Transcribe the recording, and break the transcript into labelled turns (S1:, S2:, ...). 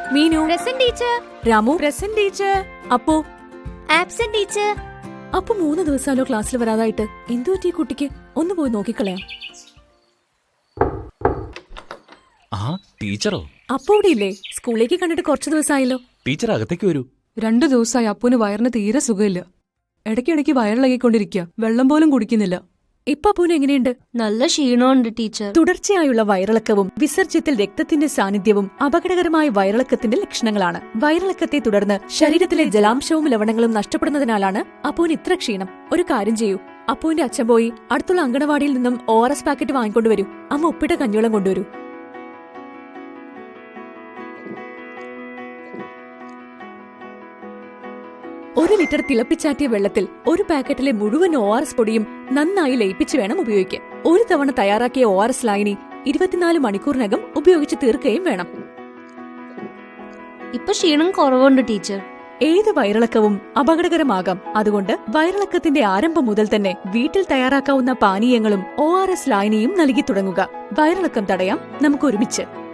S1: Meenu
S2: present teacher.
S1: Ramu present teacher. അപ്പോ
S2: absent teacher.
S1: അപ്പൊ 3 ദിവസമല്ലോ ക്ലാസ്സിൽ വരാതായിട്ട്. എന്തു പറ്റി കുട്ടിക്ക്? ഒന്ന് പോയി നോക്കിക്കളയാം.
S3: ടീച്ചറോ?
S1: അപ്പോ ഇവിടെ ഇല്ലേ? സ്കൂളിലേക്ക് കണ്ടിട്ട് കുറച്ചു ദിവസമായല്ലോ.
S3: ടീച്ചർ അകത്തേക്ക് വരൂ.
S4: 2 ദിവസമായി അപ്പൂന് വയറിന് തീരെ സുഖമില്ല. ഇടയ്ക്കിടയ്ക്ക് വയറിളകിക്കൊണ്ടിരിക്കുക. വെള്ളം പോലും കുടിക്കുന്നില്ല.
S1: ഇപ്പൊ അപ്പൂന് എങ്ങനെയുണ്ട്?
S2: നല്ല ക്ഷീണമുണ്ട് ടീച്ചർ.
S1: തുടർച്ചയായുള്ള വയറിളക്കവും വിസർജ്യത്തിൽ രക്തത്തിന്റെ സാന്നിധ്യവും അപകടകരമായ വയറിളക്കത്തിന്റെ ലക്ഷണങ്ങളാണ്. വയറിളക്കത്തെ തുടർന്ന് ശരീരത്തിലെ ജലാംശവും ലവണങ്ങളും നഷ്ടപ്പെടുന്നതിനാലാണ് അപ്പൂന് ഇത്ര ക്ഷീണം. ഒരു കാര്യം ചെയ്യൂ, അപ്പൂന്റെ അച്ഛൻ പോയി അടുത്തുള്ള അങ്കണവാടിയിൽ നിന്നും ORS പാക്കറ്റ് വാങ്ങിക്കൊണ്ടുവരൂ. അമ്മ ഉപ്പിട്ട കഞ്ഞിവെള്ളം കൊണ്ടുവരൂ. ഒരു ലിറ്റർ തിളപ്പിച്ചാറ്റിയ വെള്ളത്തിൽ 1 പാക്കറ്റിലെ മുഴുവൻ ORS പൊടിയും നന്നായി ലയിപ്പിച്ച് വേണം ഉപയോഗിക്കാൻ. ഒരു തവണ തയ്യാറാക്കിയ ORS ലായനി 24 മണിക്കൂറിനകം ഉപയോഗിച്ച് തീർക്കുകയും വേണം.
S2: ഇപ്പൊ ക്ഷീണം കുറവുണ്ട് ടീച്ചർ.
S1: ഏത് വയറിളക്കവും അപകടകരമാകാം. അതുകൊണ്ട് വയറിളക്കത്തിന്റെ ആരംഭം മുതൽ തന്നെ വീട്ടിൽ തയ്യാറാക്കാവുന്ന പാനീയങ്ങളും ORS ലായനിയും നൽകി തുടങ്ങുക. വയറിളക്കം തടയാം നമുക്ക് ഒരുമിച്ച്.